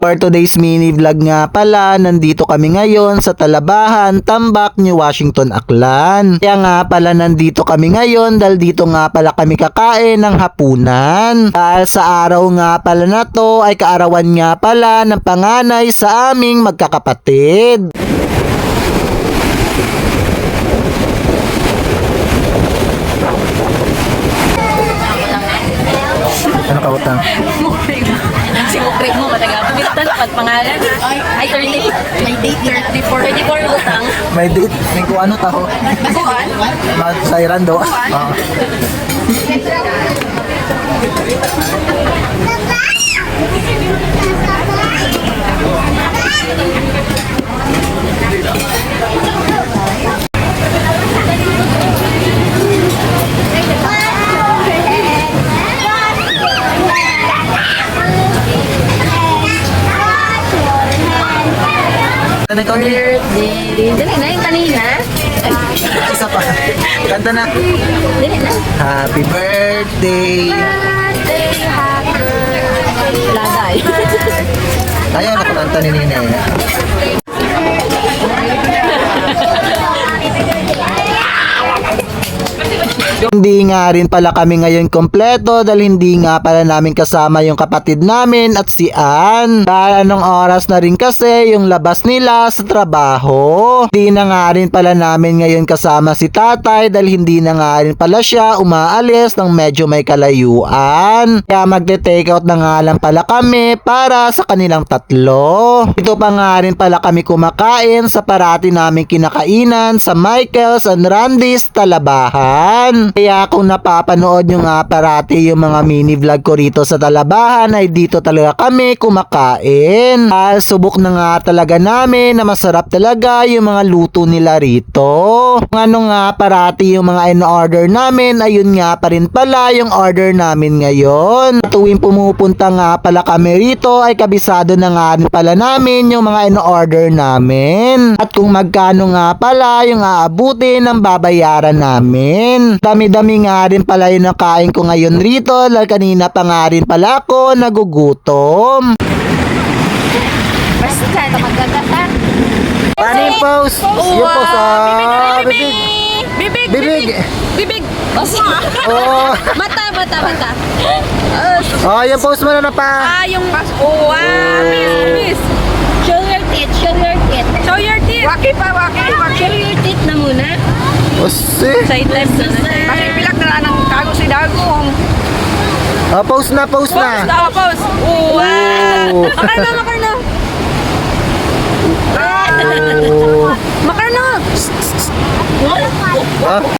For today's mini vlog nga pala, nandito kami ngayon sa Talabahan, Tambak, New Washington, Aklan. Kaya nga pala nandito kami ngayon dahil dito nga pala kami kakain ng hapunan. Dahil sa araw nga pala na to ay kaarawan nga pala ng panganay sa aming magkakapatid. Ano ka utang? Si Mukri mo, matagapag ito dapat pangalan. Ay, 30. May date 34. 34 utang. May date? May kung ano taho? Baguan? Mag-sairan daw. Kanta na Birthday. Dali na yung kanina. isa pa. Kanta na. Dali na. Happy birthday. Birthday, happy birthday. Lagay. Ayaw na kumanta ni Nina. Hindi nga rin pala kami ngayon kompleto dahil hindi nga pala namin kasama yung kapatid namin at si Ann. Dahil anong oras na rin kasi yung labas nila sa trabaho. Hindi na nga rin pala namin ngayon kasama si tatay dahil hindi na nga rin pala siya umaalis ng medyo may kalayuan. Kaya magte-take out na nga lang pala kami para sa kanilang tatlo. Ito pa nga rin pala kami kumakain sa parati naming kinakainan sa Michael's and Randy's Talabahan. Kaya kung napapanood nyo nga parati yung mga mini vlog ko rito sa Talabahan ay dito talaga kami kumakain. Subok na nga talaga namin na masarap talaga yung mga luto nila rito. Kung ano nga parati yung mga in-order namin ayun nga pa rin pala yung order namin ngayon. Tuwing pumupunta nga pala kami rito ay kabisado na nga rin pala namin yung mga in-order namin. At kung magkano nga pala yung aabutin ng babayaran namin. Dami-dami nga rin pala yung nakain ko ngayon rito dahil kanina pa nga rin pala ako nagugutom. Basta ito magagata. Paano yung pose? Yung pose, bibig. Bibig. Bibig. Bibig. Oh. Mata. Yung pose mo na pa. Yung miss. Show your teeth. Show your teeth. Waki. Show your teeth na muna. Osi. Side left na. Kasi pilak na ng kago si Dagong. Pose na. Pose. Wow. Makarna. Oh. Makarna.